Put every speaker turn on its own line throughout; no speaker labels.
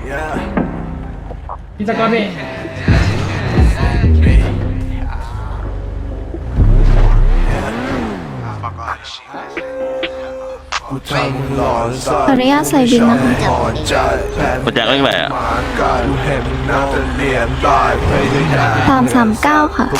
พี่สกอตพี่
ขออนุญาตใส่บินนะคะ
โปรเจกต์เรื่องอะไรอ่ะ
339ค่ะ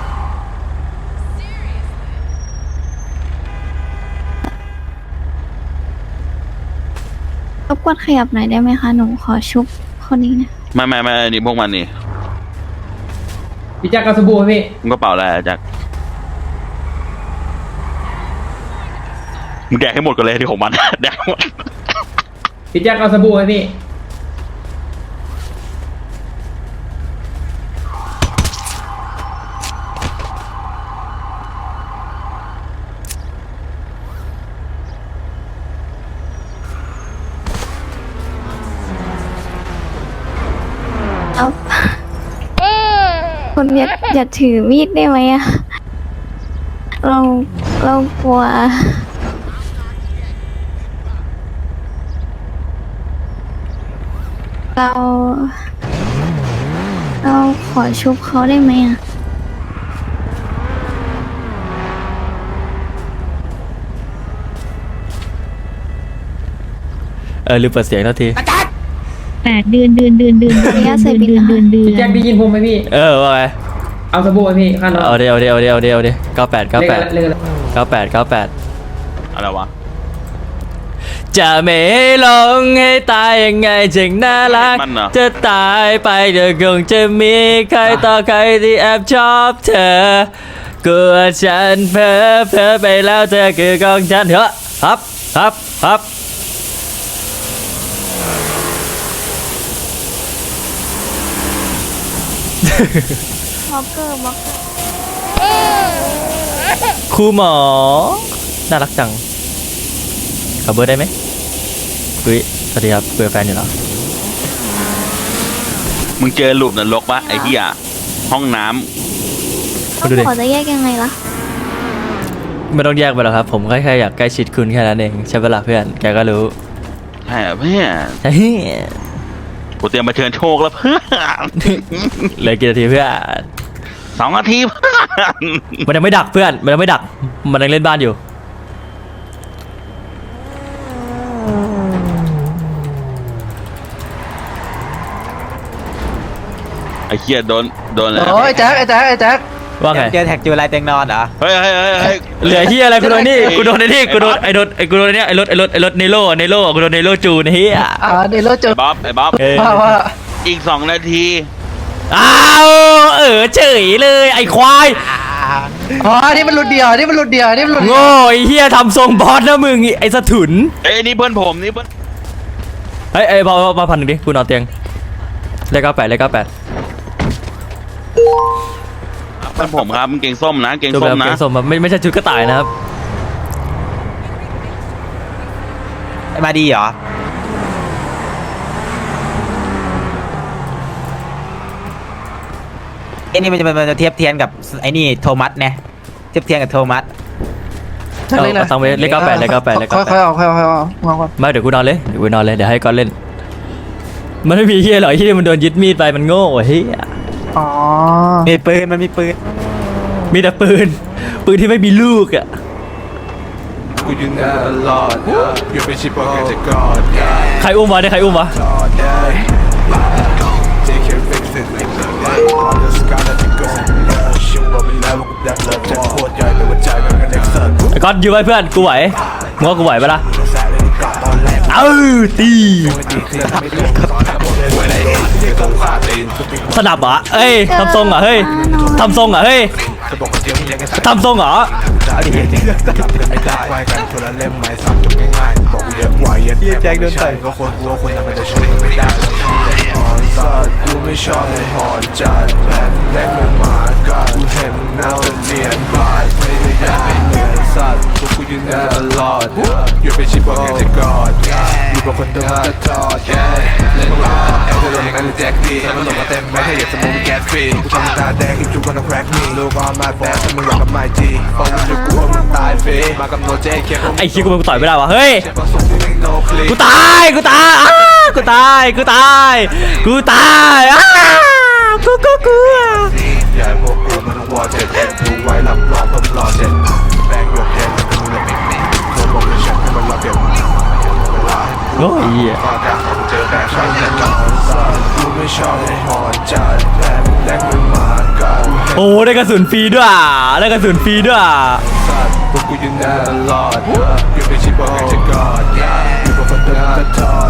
รบกวนขยับหน่อยได้ไหมคะหนูขอชุบคนนี้นะ
ไม่นี่พวกมันนี่
พี่แจ็คกระสบู่พี่
มึงก็เป่าอะไรอะแจ็คมึงแดกให้หมดกันเลยที่ของมัน แดกให้หมด
พี่แจ็คกระสบู่พี่
เอาคุณอย่าถือมีดได้ไหมอะเรากลัวเราขอชุบเขาได้ไหมอะ
ลืมเปิดเสียงเท่าที
8 เดือน
พี่แจ็คได้ยินผมไหมพี่
ว่าไง
เอาสบู่พี่ข้าน้อง
เอาเดี๋ยว98
เล่น
อะไรวะ
จะไม่ลงให้ตายยังไงจึงน่ารัก
มันเหรอ
จะตายไปเดี๋ยวคงจะมีใครต่อใครที่แอบชอบเธอกลัวฉันเพ้อไปแล้วเธอคือของฉันเหรอครับ
ม็อกเกอร์
ครูหมอน่ารักจังขอเบอร์ได้ไหมคุยสวัสดีครับคุยกับแฟนอยู่เหรอ
มึงเจอหลุมนรกปะไอ้เหี้ยห้องน้
คุณดูดิ
ขอจะแยกยังไงล่ะ
ไม่ต้องแยกไปหรอกครับผมแค่อยากใกล้ชิดคุณแค่นั้นเองใช่ปะล่ะเพื่อนแกก็รู้
ำใช่เหรอเพื่อน
ใช่
กูเตรียมมาเชิญโชคแล้วเพื่อน
เหลือกี่นาทีเพื่อน
2 นาทีเพื่อน
มันยังไม่ดักเพื่อนมันยังไม่ดักมันยังเล่นบ้านอยู่
ไอ้เหี้ยโดนเลย
โอ้ยแจ็คไอ้แจ็ค
ว่าไง
เจอแท็กจูไรเตียงนอนเหรอ
เฮ้ย
เหลือที่อะไรกูโดนนี่กูโดนไอ้นี่กูโดนไอ้เนี่ยไอ้รถเนโร่กูโดนเนโร่จูนเฮีย
ในรถเจอ
ไอ้บ๊อบ
ว่า
อีก 2 นาที
อ้าวเฉยเลยไอ้ควาย
อ๋อนี่มันหลุดเดียวนี่มันหลุดเดียว
โง่ไอ้เฮียทำทรงบอสนะมึงไอ้สะถุน
เอ้ยนี่เพื่อนผมนี่เพื่อน
เฮ้ยพอพันหนึ่งดิกูนอนเตียงเลข98
เพื่อนผมครับมันเก่งส้มนะเก่ง
ดู
ส้
แบ
ม
บ
นะ
เกงส้มไม่ใช่ชุดกระต่ายนะครับ
มาดีเหรอไอ้นี่มันจะเทียบเทียนกับไอ้นี่โทมัสเนี่ยเทียบเทียนกับโทมัส
เอาตังค์ไปเลข98
ค่อยเอา
ไม่เดี๋ยวกูนอนเลยเดี๋ยวให้ก้อนเล่นมันไม่มีเฮียหรอกที่มันโดนยึดมีดไปมันโง่เฮีย
อ๋อมีปืนมันมีปืน
มีแต่ปืนที่ไม่มีลูกอ่ะ
กูอยู่นานตลอดอยู่เป็นชิปโปเกจะกอด
ใครอุ้มวะเนี่ยใครอุ้มวะ
JK fix it like that on the sky that you goชิวว่าเป็นแล้วกูดักเลิฟจะโคตรใหญ่เลยว่าใจมันกันเด็กเสิร์ฟ
ไอ้ก้อนยืมไว้เพื่อนกูไหวมึงว่ากูไหวปะล่ะ
แซ่เลยกอดตอนแรก
ตี
ไม่ดีเคลียร์ไม่รู้ตอนแรกบอกเลยว่าอะไรที่ต้องขาดตีน
สนับเหรอเอ้ยทำทรงเหรอเฮ้ยทำทรงเหรอเฮ้ย
จะบอกว่าเจียวมียังไง
ทำทรงเหรอ
ได้จริงไม่ได้ไว้กันคนละเล่มไม้สับจบง่ายๆบอกเยอะกว่าเย็นแจ็คโดนต่อยก็คนกลัวคนทำมันจะช่วยไม่ได้หอนสัตว์กูไม่ชอบเลยหอนจัดแบบแรกมันมากันกูเห็นหน้าเป็นเนียนบายไม่ได้อยากเป็นเหมือนสัตว์พวกกูยืนตลอดอยู่เป็นชิปโปเกจะกอดอยู่กับคนเดิมจะทอดเล่นมาแอบจะโดนกันแจ็คดีมันหลงมาเต็มแม็กให้เหยียบสมองแก๊สฟรีกูทำตาแดงอีกจุกก็ต้องแคร็กมีลูกออนมาแบดถ้ามึงอยากกับไมจีฟังมึงจะกลัวมึงตายฟรีมากับโนเจเคียร์
ไอ้คิวกูต่อยไม่ได้วะเฮ้ย
กู
กูตายกูตายกูตายกูตายอ้ากูกลัว
อย่าพวกกูมันวอเจ็ดดูไว้ลำรองผมรอเจ็ดแบงหยดเย็นกูเลยเธอบอกเลยฉันให้มันรับเก็บเวลา
โอ้ยเหี้ย
ฟาดแต่ผมเจอแต่ชอบแน่นอนกูไม่ชอบให้หอนจัดแรงมึงมากัน
โอ้ได้กระสุนฟรีด้วยอ่ะได้กระสุนฟรีด้วยอ่ะ
สัตว์พวกกูยืนได้ตลอดอยู่ในชีวิตบอกให้จะกอดอยู่บนฝันเดินจะทอด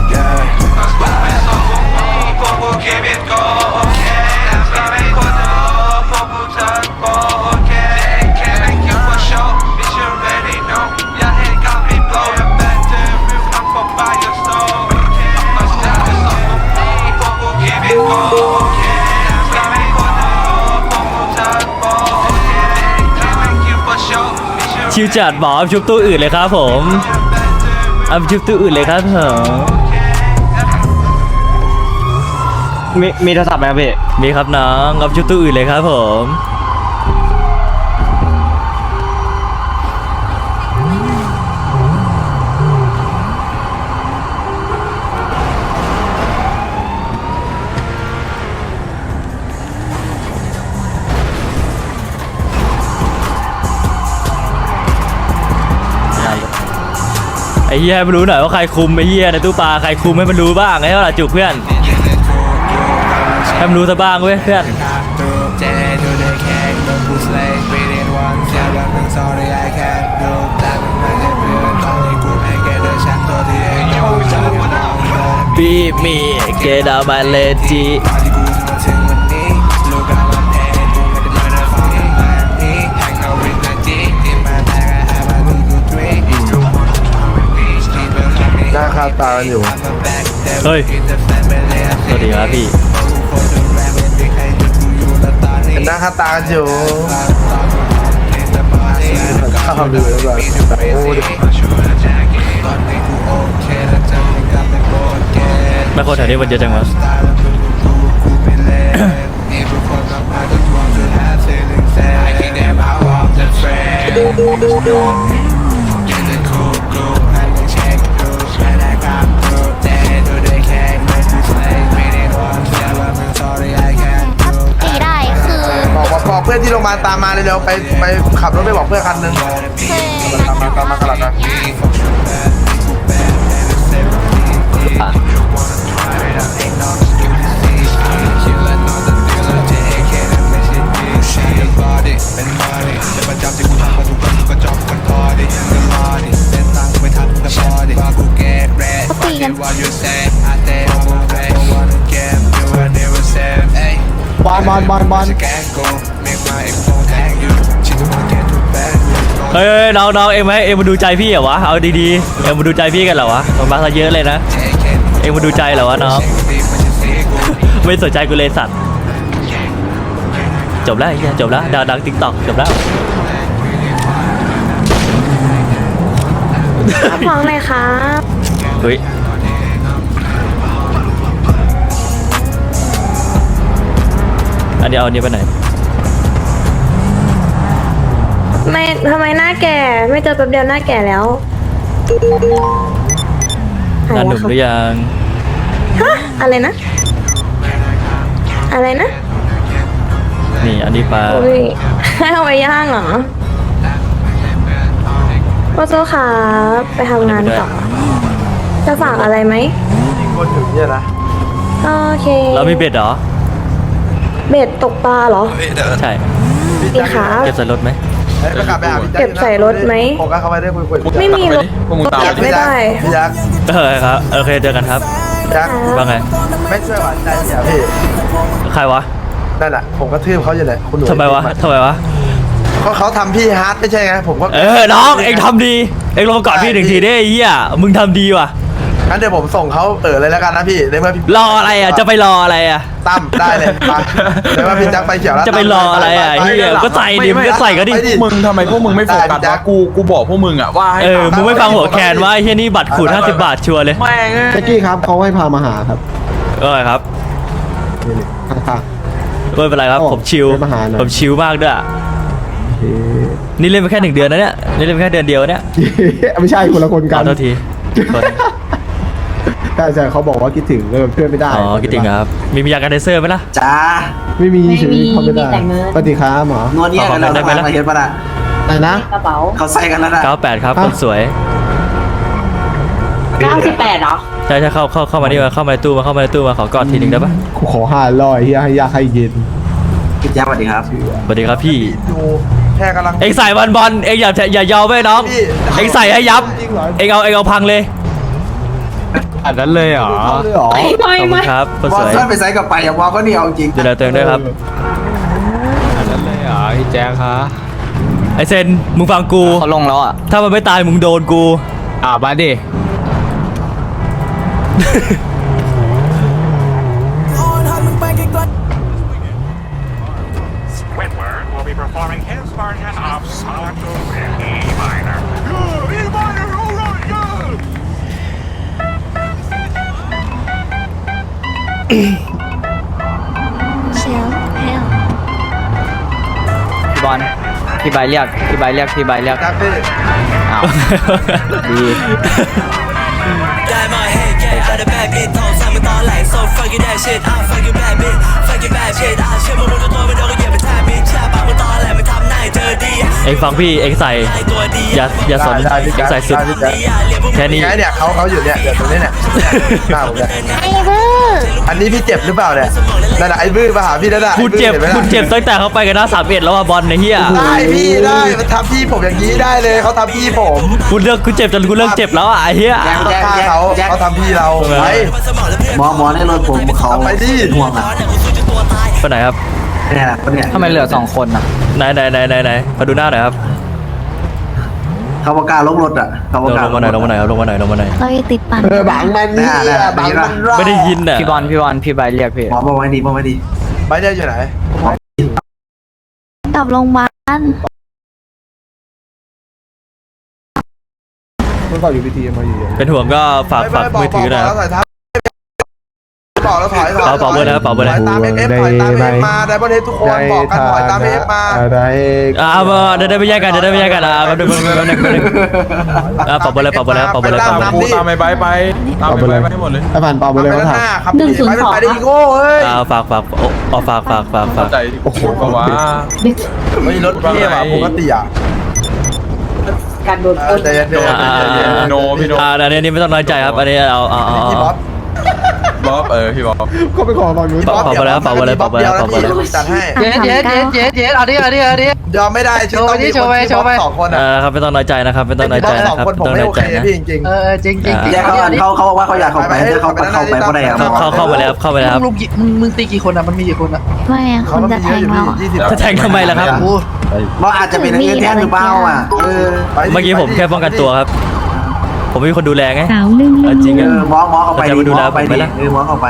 พวกกูคิดผิดก็โอเคแต่ไม่ควรจะพวกกูทักก็โอเค Thank you for show bitch you already know อย่าให้กับไม่ blow your back to you come for by your soul มาสร้างเป็นสมองพวกกูคิดผิดก็โอเคแต่ไม่ควรจะพวกกูทักก็โอเค Thank you for show bitch you
ชิวจัดหมอเอาชุบตู้อื่นเลยครับผมเอาชุบตู้อื่นเลยครับผม
มีโทรศัพท์ไหมครับพี่
มีครับน้องเอาชุบตู้อื่นเลยครับผมไอ้เหี้ยให้มันรู้หน่อยว่าใครคุมไอ้เหี้ยในตู้ปลาใครคุมให้มันรู้บ้างไอ้เท่าไหร่จุกเพื่อนให้มันรู้ซะบ้างเว้ยเพื่อนบีมีเกดามาเลจี
หน้าคาตาอยู่
เฮ้ยสวัสดีครับพี่
เป็นหน้าคาตาอยู่ข้าวดูแล้วแบบโอ้ดิ
ไม่คนแถวนี้มันเยอะจังวะ
ตีได้คือ
บอกเพื่อนที่โรงพยาบาลตามมาเร็วๆไปขับรถไปบอกเพื่อนคันนึง
คือ
ตามมากระหลัดนะ
เขาตีกัน
บอล
เฮ้ยน้องเอ็มไหมเอ็มมาดูใจพี่เหรอวะเอาดีๆเอ็มมาดูใจพี่กันเหรอวะมันมาซะเยอะเลยนะเอ็มมาดูใจเหรอวะน้อง ไม่สนใจกูเลยสัตว์จบแล้วไอ้เหี้ยจบแล้วดังติ๊กต็อกจบแล้ว
ฟ้องเลยครับ
เฮ้ยอันนี้เอาอันนี้ไปไหน
ไม่ทำไมหน้าแก่ ไม่เจอแป๊บเดียวหน้าแก่แล้วหาย
งานห
แล้
นุ่
ว
ม
ครับ
หรือยัง
ฮะอะไรนะ อะไรนะ
นี่อันนี้ปลา
อุ้ยให้เอาไปย่างเหรอพ่อโซครับไปทำงานต่อจะฝากอะไรไหม
คนถึงเนี่ยนะ
โอเค
เรามีเบ็ดเหรอ
เบ็ดตกปลาเหรอ
ใช่
มีครับ
เก็บใส่รถไหม
ไปกลับไปหาพี่แจ๊ค
เก็บใส่รถไหม
โฟกัสเข้าไปได้คุย
ไม่มีรถไม่ได้
พี่ยักษ์
ครับโอเคเจอกันครับ
ยักษ์
ว่าไง
ไม่ช่วยหวานใจเสียพี่
ใครวะ
นั่นแหละผมกระทืบเขาอยู่เลยคุณหนู
ทำไมวะ
เขาทำพี่ฮาร์ดไม่ใช่ไงผมก็
น้องเอ็งทำดีเอ็งลงกอดพี่หนึ่งทีได้ไอ้เหี้ยมึงทำดีว่ะ
งั้นเดี๋ยวผมส่งเขาเลยแล้วกันนะพี่ในเมื่อพี่
รออะไรอ่ะจะไปรออะไรอ่ะ
ตั้มได้เลยไปในเมื่อพี่แจ็คไปเขียวแล้ว
จะไปรออะไรอ่ะเหี้ยก็ใส่ดิมึงก็ใส่ก็ดิ
มึงทำไมพวกมึงไม่โฟกัสวะกูบอกพวกมึงอะว่าให้
มึงไม่ฟังหัวแคนว่าไอ้เหี้ยนี่บัตรขูด50 บาทชัวร์เลย
แม่ง
แจ็คกี้ครับเขาให้พามาหาครับ
ครับ
ข้าง
ไม่เป็นไรครับผมชิล
ไม่มาหาหน่อย
ผมชิลมากด้วย
ๆ
นี่เล่นไปแค่1 เดือนนะเนี่ยนี่เล่นไปแค่เดือนเดียวเนี่ย
ไม่ใช่คนละคน
ข
กั
อน โทษที
ใช่เขาบอกว่าคิดถึงก็เพื่อนไม่ได้
อ๋อคิดถึงครับ มียากันเดเซอร์ไหมล่ะ
จ้า
ไม่มีชีวิตเขาไม่ได้สวัสดีครับหมอน
วดเนี่ยกันแล้ว
ได้ไหมล่ะ
มาเห็นปะล่ะ
อะไรนะ
เขาใส่กันแล้วนะ
98ครับคนสวย
98เหรอ
ใช่เข้ามานี่มาเข้ามาในตู้มาขอกอดทีหนึงได้ปะ
ขอ500เฮียให้ยากให้เย็น
พี่แจ๊คสวัสดีครับ
สวัสดีครับพี่
ดูแค่กำลัง
เอ็งใส่บอลเอ็งอย่ายอมไว้น้อง เอ็งใส่ให้ยับ เอ็งเอาพังเลย
อันนั้นเลยเหรอ
เอาเลยเหรอ
ขอบคุณครับคน
บอ
ส
ล
วย
เซิร์ฟไปใส่กับไปอย่างว่าก็นี่เอาจริง
ดูแลตัวเองด้วยครับ
อันนั้นเลยเหรอพี่แจ๊คคะ
ไอเซนมึงฟังกู
เขาลงแล้วอ่ะ
ถ้ามันไม่ตายมึงโดนกู
มาดิ
Squidward will be performing his version of Sonic in E minor. Yeah, E minor, alright, yeah!
เชลเฮล
พี่บอลพี่ใบเรียกพี่ใบเรียกอ้าวดี
เอ็งฟังพี่เอ็งใส่อย่าสนเอ็งใส่สุดแค่นี้
ไงเนี่ยเขาอยู่เนี่ยเดี๋ยวตรงนี้เนี่ยหน้าผมเนี่ย
ไอ้เบอร์
อันนี้พี่เจ็บหรือเปล่าเนี่ยนั่นแหละไอ้บื้อมาหาพี่นั่นแหละ
คุณเจ็บ
ไอ้บื้อห็นไหมล่ะ
คุณเจ็บตั้งแต่เขาไปกันหน้า31แล้วว่าบอลในเฮีย
ได้พี่ได้มันทำพี่ผมอย่างนี้ได้เลยเขาทำพี่ผม
คุณเจ็บจนคุณเลิกเจ็บแล้วอ่ะไอ้เฮีย
ต้องฆ่าเขาทำพี่เราไป
หมอในรถผมเขา
ไปดิ
ห่วงอ่ะ
ไปไหนครับ
เนี่ยคนเนี่ย
ทำไมเหลือ2คนอ่ะ
ไหนมาดูหน้าหน่อยครับ
เขาประกาศลงรถอ่ะเขา
ล
ประ
ง
กาศ
มาหน่อยลงมาหน่อย
เราจะติดปั่น
บังมันนี่บังมันรอด
ไม่ได้ยินอ่ะ
พี่บอลพี่ใบเรียกพี่
หมอบอกไว้ดีบอกไว้ดี
ไปเดี๋ยวอยู่ไหน
กลับโรงพยาบาล
มันต่ออยู่พิธีมาอยู่
เป็นห่วงก็ฝากมือถือนะครับ
บอกแล้วถอย
เป่าเบอร์นะครับเป่าเบอร์นะ
ถอยตามเอฟถอยตามเอฟมาได้บอลเฮดทุกคนบอกกันถอยตามเอฟมา
ได้
มาเดี๋ยวไม่แยกกันแป๊บนึงเป่าเบอร์เลย
ตามไปไปตามไปให้หมดเลย
ไอ้ผ่านเป่าไปเลยเขาถาม
ครับไปได้อีโก้เฮ้ย
ฝาก
ใจโอ้โหก็ว่าไม่รถเที่ยวปกติอ่ะการโดนใจเย็นโนพี่โน
อันนี้ไม่ต้องน้อยใจครับอันนี้เอา
พี่บ๊อบพี่บ๊อบ
ก็ไปขอฝั่งนู้น
เป่าไปแล้ว
จัดให้
เย็ด
เอาดิ
ยอมไม่ได้โชว์สองคนอ่ะ
ครับไม่ต้องน้อยใจนะครับไม่ต้องน้อยใจ
สอง
นะครับ
คนผมไม่โอเคพี่จริง
จริง
เขาบอกว่าเขาอยากเข้าไปแต่เขาไปก็ได้ครับ
เข้ามาแล้วครับ
มึงตีกี่คนอ่ะมันมีกี่คนอ่ะ
ไม่อะคนจะแทงเราอะ
จะแทงทำไมล่ะครับ
ว่าอาจจะเป็นเงินแทนหรือเปล่าอ่ะ
เมื่อกี้ผมแค่ป้องกันตัวครับ ผมไม่มีคนดูแลไง
สาวลื่น
จริง
หมอเข้าไปดิหมอเข้าไปดิหมอเข้าไป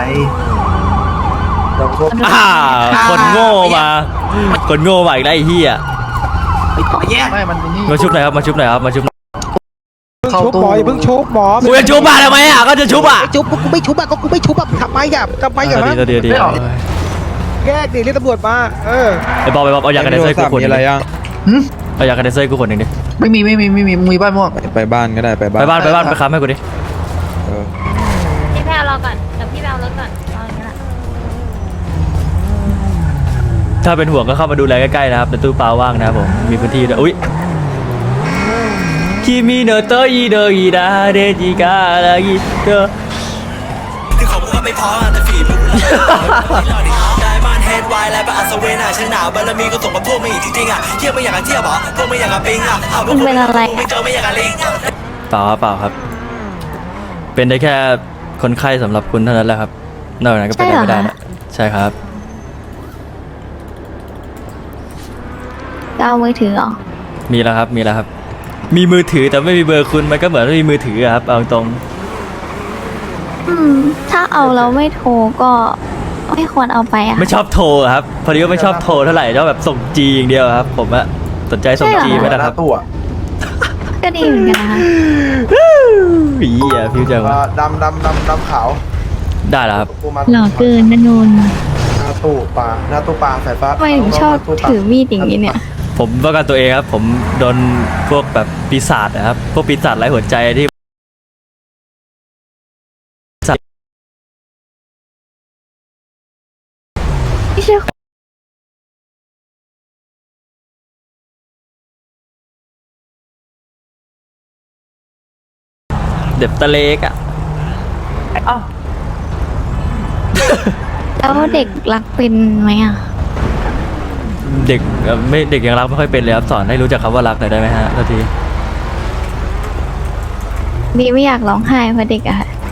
คนโง่มาอีกแล้วไอ้เหี้ย
ต่อแย่
ไม่มันนี่
มาชุบหน่อยครับมาชุบหน่อย
เข้าตู้
เพิ่งชุบหมอ
กูจะชุบมาทำไมอ่ะก็จะชุบอ่ะ
ชุบกูไม่ชุบอ่ะก็กูไม่ชุบอ่ะทำไมอ่ะทำไมอ่ะ
ดี
แยกดิเรียกตำรวจมา
ไอ้บอลเอายากันเดเซอร์กูคนนึงเอายากันเดเซอร์กูคนนึงดิ
ไม่มีมึงมีบ้านม่วง
ไปบ้านก็ได้ไปบ้าน
ไปบ้านไปค้ำให้กูดิ
พี่แพรรอก่อนเดี๋ยวพี่แพรรถก่อนรออย่างนี้แหละ
ถ้าเป็นห่วงก็เข้ามาดูแลใกล้ๆนะครับในตู้ปลาว่างนะครับผมมีพื้นที่ด้วยอุ้ยคิมิโนโตอิโดอิดาเดจิกาลากิโตที่ของมึงก็ไม่พอแต่ฝีมือได้บ้านเฮดไวแล้วไปอัศวินอ่ะฉันหนาวบารมีก็ส่งมาพวกมึงอีกจริงๆอ่ะเที่ยวไม่อยากเที่ยวหรอพวกไม่อยากปิงอ่ะเอาพวกมึงไม่เจอไม่อยากลิงเปล่าครับเป็นได้แค่คนไข้สำหรับคุณเท่านั้นแหละครับนอกจากนั้นก็เป็นไม่ได้นะใช่ครับ
จะเอามือถือเหรอ
มีแล้วครับมีมือถือแต่ไม่มีเบอร์คุณมันก็เหมือนไม่มีมือถือครับเอาตรง
ถ้าเอาแล้วไม่โทรก็ไม่ควรเอาไปอะ
ไม่ชอบโทรครับพอดีว่าไม่ชอบโทรเท่าไหร่ชอบแบบส่งจีอย่างเดียวครับผมอะสนใจส่งจีไหมนะครับ
ตัว
ก็ดีเหมือนกันนะคะ
อีอ่ะฟิวเจอร์
ดำขาว
ได้แล้วครับ
หล่อเกินนะนนท์
หน้าตู้ปลาสายฟ้า
ทำไมถึงชอบถือมีดอย่างนี้เนี่ย
ผมป้องกันตัวเองครับผมโดนพวกแบบปีศาจนะครับพวกปีศาจไร้หัวใจที่
ไม่ใช่
เด็บตะเล็กอ่ะ
แล้วเด็กรักเป็นไหมอ่ะ
เด็กไม่เด็กยังรักไม่ค่อยเป็นเลยครับสอนให้รู้จักคำว่ารักหน่อยได้ไหมฮะทันที
นี่ไม่อยากร้องไห้เพราะเด็กอะ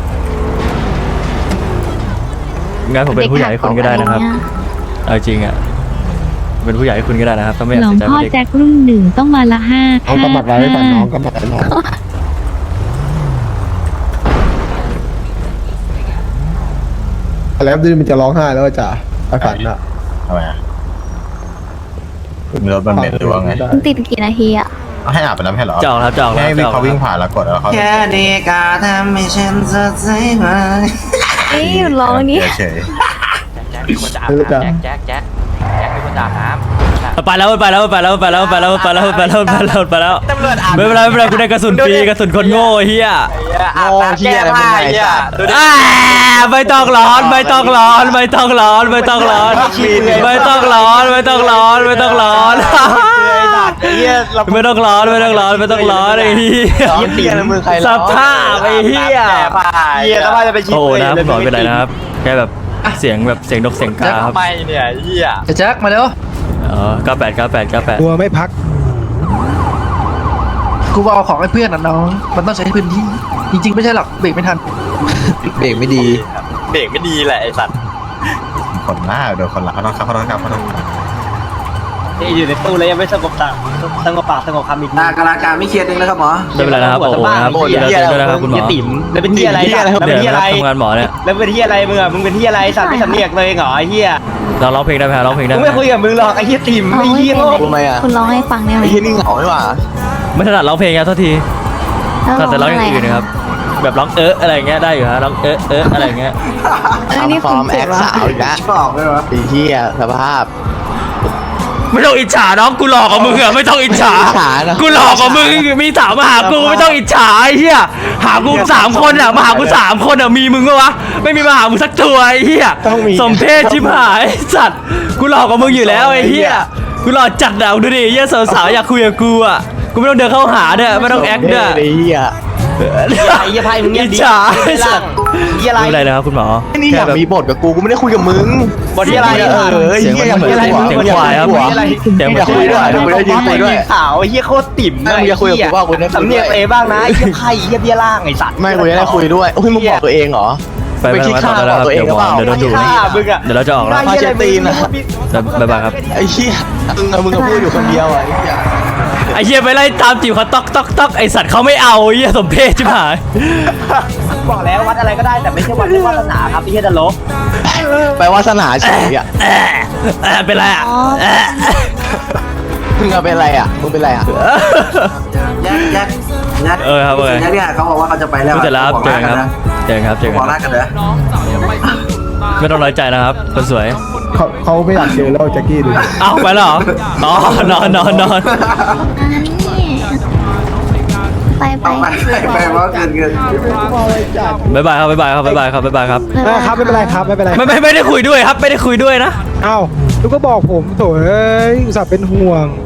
งั้นผมเป็นผู้ใหญ่ให้คุณก็ได้นะครับ
เด็กหักอกอ
เอาจริงอ่ะเป็นผู้ใหญ่ให้คุณก็ได้นะครับต้องไม่อยาก
หลวง
เสียใจ
พ่อ
ว่าเด็ก
แจ็ครุ่นหนึ่งต้องมาละห้า
เอากำหมัดไว้ก่อนน้องกำหมัดไว้น้องแล้วดื้อมันจะร้องไห้แล้วจ้ะไอ้ฝันอะ
ทำไมอะมีรถมันเหม็นหรือว่าไง
มันติดกี่นาทีอะ
ให้อาบไปแล้วไม่ใช่เหรอ
จองครับจอง
ให้
แล้วจอง
เขาวิ่งผ่านแล้วกดแล้วเขา
แค่เด็กาทำให้ฉันสดใสมา
เอ้ยหยุดร้องนี้
เฉย
ไปแล้วไปแล้วไปแล้วไปแล้วไปแล้วไปแล้วไปแล้วไปแล้วไปแล้วไม่เป็นไรไม่เป็นไรกูได้กระสุนฟรีกระสุนคนโง่เฮีย
โอ้เฮียอะไรมึงไงสัตว์
ไม่ต้องร้อนไม่ต้องร้อนไม่ต้องร้อนไม่ต้องร้อนไม่ต้องร้อนไม่ต้องร้อนไม่ต้องร้อน
เฮียเรา
ไม่ต้องร้อนไม่ต้องร้อนไม่ต้องร้อนไอ้เหี้ย
เฮียมึงใคร
สภาพไอ้เหี้ย
เฮียสภาพจะไปชิ
โอ้นะคุณหมอเป็นไรนะครับแค่แบบเสียงแบบเสียงนกเสียงกาครับ
ทำไมเนี่ยเฮีย
แจ็คมาเร็ว
อ๋อ98
กลัวไม่พัก กูเอาของให้เพื่อนนะน้อง มันต้องใช้พื้นที่ จริงๆไม่ใช่หรอกเบรกไม่ทัน
เบรกไม่ดี
เบรกไม่ดีแหละไอสัตว์
ๆคนหน้าโดนคนละเขาต้องครับเขาต้องครับเขาต้องครับ
นี่อยู่ในตู้เลยยังไม่สงบตาสงบปากสงบคำอีกนะกำลังการไม่เคลียร์นึงนะครับหมอ
ไม่เป็นไรนะครับโอ้โหนะครับเดี๋ยวนะครับคุณหมอ
ติ๋มแล้วเป็นที่อะไรแล้วเป็นที่อะไร
ทำงานหมอเนี่ย
แล้วเป็นที่อะไรมึงอ่ะมึงเป็นที่อะไรสัตว์ไม่สำเนียกเลยเหรอไอ้เหี้ย
เราร้องเพลงได้ไหมร้องเพลงได้
กู
ไหม
ไม่คุยกับมึงหรอกไอ้เหี้ยติ๋มไอ้เหี้ยโง่
คุณร้องให้ฟังได้ไหม
ไอ้ที่นี่เหงาไม่หว่า
ไม่ถนัดร้องเพลงครับโทษที
แล้ว
แต่ร้องอย่างอื่น
ะ
นะครับแบบร้องอะไรอย่างเงี้ยได้อยู่ฮะร้องอะไรอย่างเงี้ย
เอ้ยนี่คุณสุดวะ
ชอบเลยวะไอ้ที่สภาพ
ไม่ต้องอิจฉาน้องกูหลอกกับมึงอะไม่ต้องอิจฉา
อิจฉานะ
กูหลอกกับมึงมีสาวมาหากูไม่ต้องอิจฉาไอ้เหี้ยหากู3 คนอะมาหากู3 คนอะมีมึงปะวะไม่มีมาหามึงสักตัวไอ้เหี้ย
ต้องมี
สมเพศชิบหายไอ้สัตว์กูหลอกกับมึงอยู่แล้วไอ้เหี้ยกูหลอกจัดอะดูดิเหี้ยสาวๆอยากคุยกับกูอะกูไม่ต้องเดินเข้าหาเนี่ยไม่ต้องแอคเนี่ย
ไอ้เหี้ย
ไอ้เหี้ยไพ่มึงเงียบ
อิจ
ดิ
ฉาไอ้สัตว์
เหี้ยอะไร
ไม่เป็นไรนะครับคุณหมอ
นี่อยากมีบทกับกูกูไม่ได้คุยกับมึง
บทที่อะไร
เสียงมันเหมือนเสียงควายครับเสียงเหมือน
คุยด้วย
เดี๋ยวกูได้ยินคุยด้วยสาวไอ้เหี้ยโคตรติ๋ม
ไม่มึงจะคุยกับกูว่ากูได้คุยด้วย
สำเนียกเอบ้างนะไอ้เหี้ยไพ่เหี้ยเบี้ยล่างไอ้สัตว์
ไม่กูจะได้คุยด้วยโอ้ยมึงบอกตัวเองเหรอ
ไปไปมาต่อได้แล้วครับเดี๋ยวหมอเดี๋ยวโดนดู
ฆ่ามึงอะ
เดี๋ยวเราจะออกแล้ว
พาเชตีนนะ
บ๊ายบายครับ
ไอ้เหี้ยมึงก็พูดอยู่คนเดียวอ่ะไอ้เหี้ย
ไอ้เหี้ยไปไล่ตามจีบเขาต๊อกไอ้สัตว์เขาไม่เอาไอ้เหี้ยสมเพศชิบหาย
บอกแล้ววัดอะไรก็ได้แต่ไม่ใช่วัดเรื่องวาสนาครับไอ้เหี้ยตลก
ไปวาสนาเฉยอ่ะ
เป็นไรอ่ะ
มึงอะเป็นอะไรอ่ะมึงเป็นอะไรอ่ะ
เออครับเออ
เนี่ยเขาบอกว่าเขาจะไปแล้ว
เจอแล้วเจอครับเจอครับ
บอกรักกันเลย
ไม่ต้องน้อยใจนะครับคนสวย
เขาไม่อยากเจอแล้วแจ็คกี้ดู
เอ้าไปแล้วเหรออ๋อนอน
อันนี้ไป
ว่าเกิน
บ๊ายบายครับบ๊ายบายครับบ๊ายบายครับบ๊ายบายครับ
ครับไม่เป็นไรครับไม่เป็นไร
ไม่ได้คุยด้วยครับไม่ได้คุยด้วยนะ
เอ้าลูกก็บอกผมโถเอ้ยอุตส่าห์เป็นห่วง